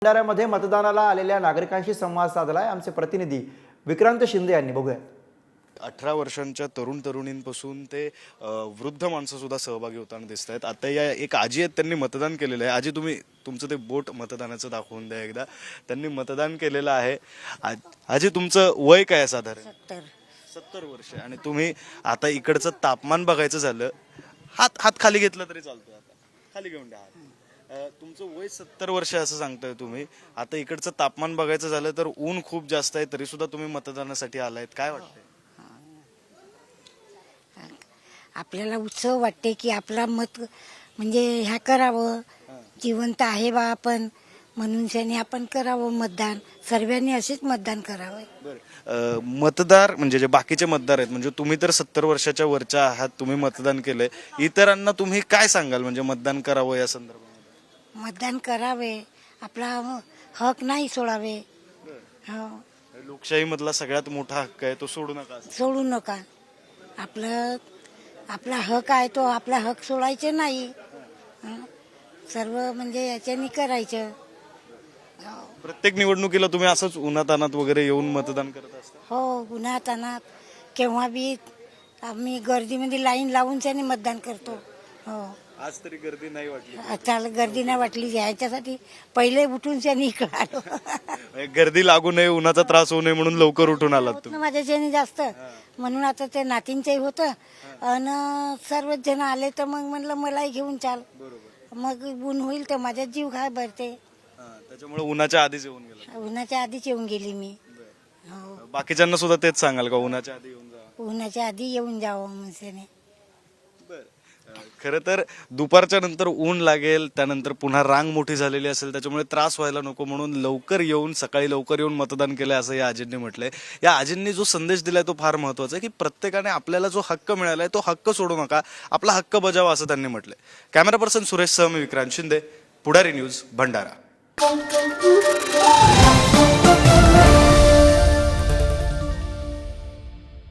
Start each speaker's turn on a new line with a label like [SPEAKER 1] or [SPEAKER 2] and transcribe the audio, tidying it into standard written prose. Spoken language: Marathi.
[SPEAKER 1] भंडाऱ्यामध्ये मतदानाला आलेल्या नागरिकांशी संवाद साधलाय आमचे प्रतिनिधी विक्रांत शिंदे यांनी. बघूया.
[SPEAKER 2] 18 वर्षांच्या तरुणींपासून ते वृद्ध माणसं सुद्धा सहभागी होताना दिसत आहेत. आता या एक आजी आहेत, त्यांनी मतदान केलेलं आहे. आजी, तुम्ही तुमचं ते बोट मतदानाचं दाखवून द्या एकदा. त्यांनी मतदान केलेलं आहे. आजी, तुमचं वय काय आहे साधारण? 70 वर्ष. आणि तुम्ही आता इकडचं तापमान बघायचं झालं, हात खाली घेतला तरी चालतो, आता खाली घेऊन द्या हात. तुमचं वय 70 वर्ष असं सांगताय तुम्ही. आता इकडचं तापमान बघायचं झालं तर ऊन खूप जास्त आहे, तरी सुद्धा तुम्ही मतदानासाठी आलायत. काय वाटतंय?
[SPEAKER 3] आपल्याला उत्सव वाटते की आपला मत म्हणजे ह्या करावं, जिवंत आहे बा आपण म्हणून त्याने आपण करावं मतदान. सर्वांनी असेच मतदान करावं.
[SPEAKER 2] मतदार म्हणजे जे बाकीचे मतदार आहेत, म्हणजे तुम्ही तर 70 वर्षाच्या वरच्या आहात, तुम्ही मतदान केलंय, इतरांना तुम्ही काय सांगाल म्हणजे मतदान करावं या संदर्भात?
[SPEAKER 3] मतदान करावे, आपला हक नाही सोडावे. हो,
[SPEAKER 2] लोकशाही मधला सगळ्यात मोठा हक्क आहे, तो सोडू नका.
[SPEAKER 3] सोडू नका. आपला हक आहे तो आपला हक सोडायचे नाही. सर्व म्हणजे याच्यानी करायचं.
[SPEAKER 2] प्रत्येक निवडणुकीला तुम्ही असंच उन्हातानात वगैरे येऊन मतदान करत असता?
[SPEAKER 3] हो, उन्हातानात केव्हा बी आम्ही गर्दीमध्ये लाईन लावून त्याने मतदान करतो. हो,
[SPEAKER 2] आज तरी गर्दी नाही वाटली?
[SPEAKER 3] त्याला गर्दी नाही वाटली. याच्यासाठी पहिले उठून त्याने इकडं आलो.
[SPEAKER 2] गर्दी लागू नये, उन्हाचा त्रास होऊ नये म्हणून लवकर उठून आलात तुम्ही?
[SPEAKER 3] माझ्याच्याने जास्त म्हणून आता ते नातींचंही होतं आणि सर्वच जण आले तर मग म्हणलं मलाही घेऊन चाल. मग ऊन होईल तर माझ्या जीव घाय भरते,
[SPEAKER 2] त्याच्यामुळे उन्हाच्या आधीच येऊन गेला?
[SPEAKER 3] उन्हाच्या आधीच येऊन गेली मी. हो,
[SPEAKER 2] बाकीच्यांना सुद्धा तेच सांगाल का, उन्हाच्या आधी येऊन जा?
[SPEAKER 3] उन्हाच्या आधी येऊन जावं म्हणजे.
[SPEAKER 2] खरं तर दुपारच्या नंतर ऊन लागेल, त्यानंतर पुन्हा रांग मोठी झालेली असेल, त्याच्यामुळे त्रास व्हायला नको म्हणून लवकर येऊन, सकाळी लवकर येऊन मतदान केलंय असं या आजींनी म्हटलंय. या आजींनी जो संदेश दिलाय तो फार महत्वाचा आहे की प्रत्येकाने आपल्याला जो हक्क मिळालाय तो हक्क सोडू नका, आपला हक्क बजावा असं त्यांनी म्हटलंय. कॅमेरा पर्सन सुरेश सह, मी विक्रांत शिंदे, पुढारी न्यूज, भंडारा.